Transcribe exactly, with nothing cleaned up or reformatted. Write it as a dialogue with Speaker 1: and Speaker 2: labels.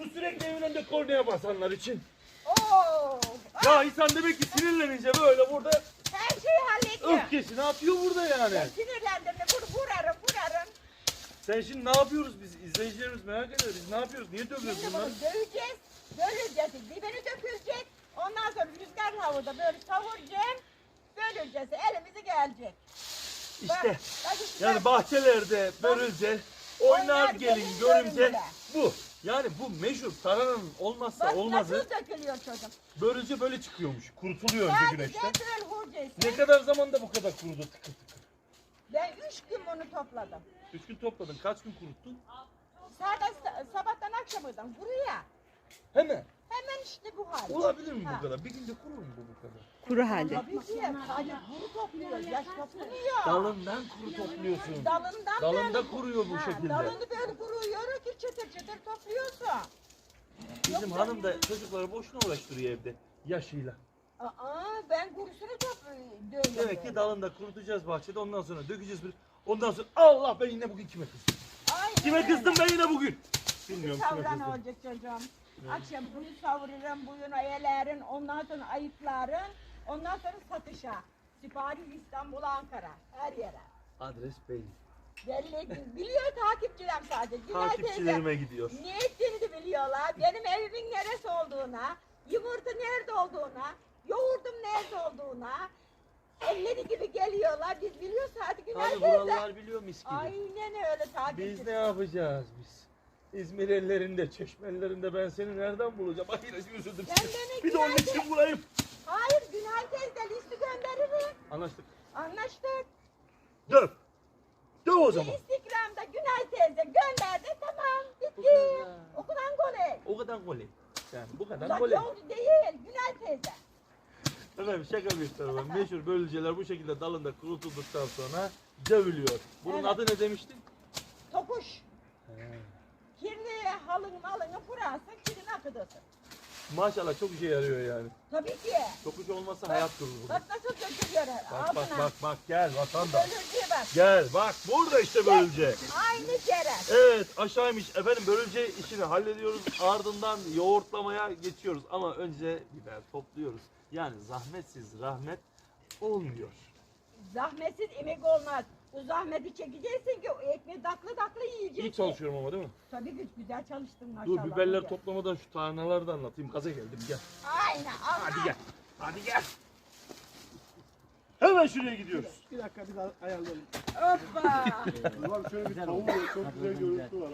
Speaker 1: Bu sürekli evin önünde kornaya basanlar için.
Speaker 2: Oo.
Speaker 1: Ya insan demek ki sinirlenince böyle burada
Speaker 2: Her şeyi hallediyor.
Speaker 1: öfkesini atıyor burada yani.
Speaker 2: Ben sinirlendim de vur, vurarım vurarım.
Speaker 1: Sen şimdi ne yapıyoruz biz? İzleyicilerimiz merak ediyor. Biz ne yapıyoruz? Niye dövüyoruz
Speaker 2: Şimdi
Speaker 1: bunları?
Speaker 2: bunu döveceğiz. Böleceğiz. Dibini dökülecek. Ondan sonra rüzgar havada böyle savuracağım. Böleceğiz. Elimize gelecek.
Speaker 1: İşte
Speaker 2: Bak, bak işte
Speaker 1: yani bahçelerde börülce, oynar
Speaker 2: Oynar
Speaker 1: gelin
Speaker 2: gelin
Speaker 1: görümce
Speaker 2: görümce.
Speaker 1: bu. Yani bu meşhur tarhananın olmazsa
Speaker 2: bak
Speaker 1: olmazı
Speaker 2: nasıl dökülüyor çocuğum.
Speaker 1: börülce böyle çıkıyormuş. Kurutuluyor önce
Speaker 2: Sadece
Speaker 1: güneşte.
Speaker 2: böyle vuracaksın.
Speaker 1: Ne kadar zamanda bu kadar kurudu tıkır tıkır?
Speaker 2: Ben üç gün bunu topladım.
Speaker 1: Üç gün topladın. Kaç gün kuruttun?
Speaker 2: Sadece sabahtan akşamından buraya.
Speaker 1: Hemen.
Speaker 2: Hemen işte bu hal.
Speaker 1: Olabilir mi
Speaker 2: Ha.
Speaker 1: bu kadar? Bir günde kurur mu bu bu kadar?
Speaker 3: Kuru halde.
Speaker 2: Tabii ki. Sadece kuru topluyor. Yaş topluyor.
Speaker 1: Dalından kuru topluyorsun.
Speaker 2: Dalından
Speaker 1: Dalında
Speaker 2: böyle-
Speaker 1: kuruyor bu
Speaker 2: Ha,
Speaker 1: şekilde.
Speaker 2: Dalını böyle kuruyor ki çıtır çıtır topluyorsun.
Speaker 1: Bizim
Speaker 2: Yoksa-
Speaker 1: hanım da çocukları boşuna uğraştırıyor evde. Yaşıyla.
Speaker 2: Aa, ben kurusunu topluyorum.
Speaker 1: Demek ki dalında kurutacağız bahçede, ondan sonra dökeceğiz bir. Ondan sonra Allah, ben yine bugün kime kızdım?
Speaker 2: Aynen
Speaker 1: Kime
Speaker 2: öyle.
Speaker 1: kızdım ben yine bugün? Bilmiyorum kime
Speaker 2: Savran
Speaker 1: kızdım.
Speaker 2: olacak çocuğum. Akşam bunu savururum, bugün ayelerin, ondan sonra ayıkların, ondan sonra satışa. Sipariş İstanbul, Ankara, her yere.
Speaker 1: Adres belli.
Speaker 2: Belli, biliyor takipçilerim sadece. Günay
Speaker 1: Takipçilerime gidiyor.
Speaker 2: teyze, ne ettiğini de biliyorlar. Benim evimin neresi olduğuna, yumurta nerede olduğuna, yoğurdum nerede olduğuna. Elleri gibi geliyorlar. Biz biliyoruz hadi Günay
Speaker 1: Tabii
Speaker 2: teyze.
Speaker 1: buralar biliyor mis gibi.
Speaker 2: Aynen öyle takipçi.
Speaker 1: Biz ne yapacağız biz? İzmir ellerinde, Çeşme ellerinde ben seni nereden bulacağım? Ay yine üzüldüm.
Speaker 2: Ben beni
Speaker 1: Bir de onun
Speaker 2: Günay
Speaker 1: için bulayım.
Speaker 2: Hayır Günay teyze listi gönderirim.
Speaker 1: Anlaştık.
Speaker 2: Anlaştık.
Speaker 1: Döv. Döv o zaman.
Speaker 2: Instagram'da Günay teyze gönderdi tamam
Speaker 1: Bu
Speaker 2: bitti.
Speaker 1: kadar.
Speaker 2: Okudan goley.
Speaker 1: O kadar goley. Yani bu kadar
Speaker 2: Uzak
Speaker 1: goley.
Speaker 2: yolcu değil Günay teyze.
Speaker 1: Efendim şaka bir tarafa. Meşhur bölüceler bu şekilde dalında kurutulduktan sonra dövülüyor. Bunun
Speaker 2: Evet.
Speaker 1: adı ne demiştin?
Speaker 2: Topuş. Kirli halın malını kurarsın kirin akıdasın.
Speaker 1: Maşallah çok işe yarıyor yani.
Speaker 2: Tabii ki.
Speaker 1: Topuş olmasa hayat durur burada.
Speaker 2: Bak nasıl dökülüyor
Speaker 1: Bak bak bak bak gel vatandaş.
Speaker 2: Bölücüye bak.
Speaker 1: Gel bak burada işte bölüce.
Speaker 2: Aynı kere.
Speaker 1: Evet aşağıymış efendim, bölüce işini hallediyoruz, ardından yoğurtlamaya geçiyoruz ama önce biber topluyoruz. Yani zahmetsiz rahmet olmuyor.
Speaker 2: Zahmetsiz emek olmaz. Bu zahmeti çekeceksin ki o ekmeği daklı daklı yiyeceksin.
Speaker 1: İyi çalışıyorum ama değil mi?
Speaker 2: Tabii ki güzel çalıştın maşallah.
Speaker 1: Dur biberler
Speaker 2: Güzel.
Speaker 1: toplamadan şu tarhanaları da anlatayım, gaza geldim gel.
Speaker 2: Aynen. Allah.
Speaker 1: Hadi gel, hadi gel. Hemen şuraya gidiyoruz.
Speaker 4: Bir dakika bir daha ayarlayalım.
Speaker 2: Hoppa.
Speaker 4: Ulan şöyle bir tavuğu çok güzel görüntü var.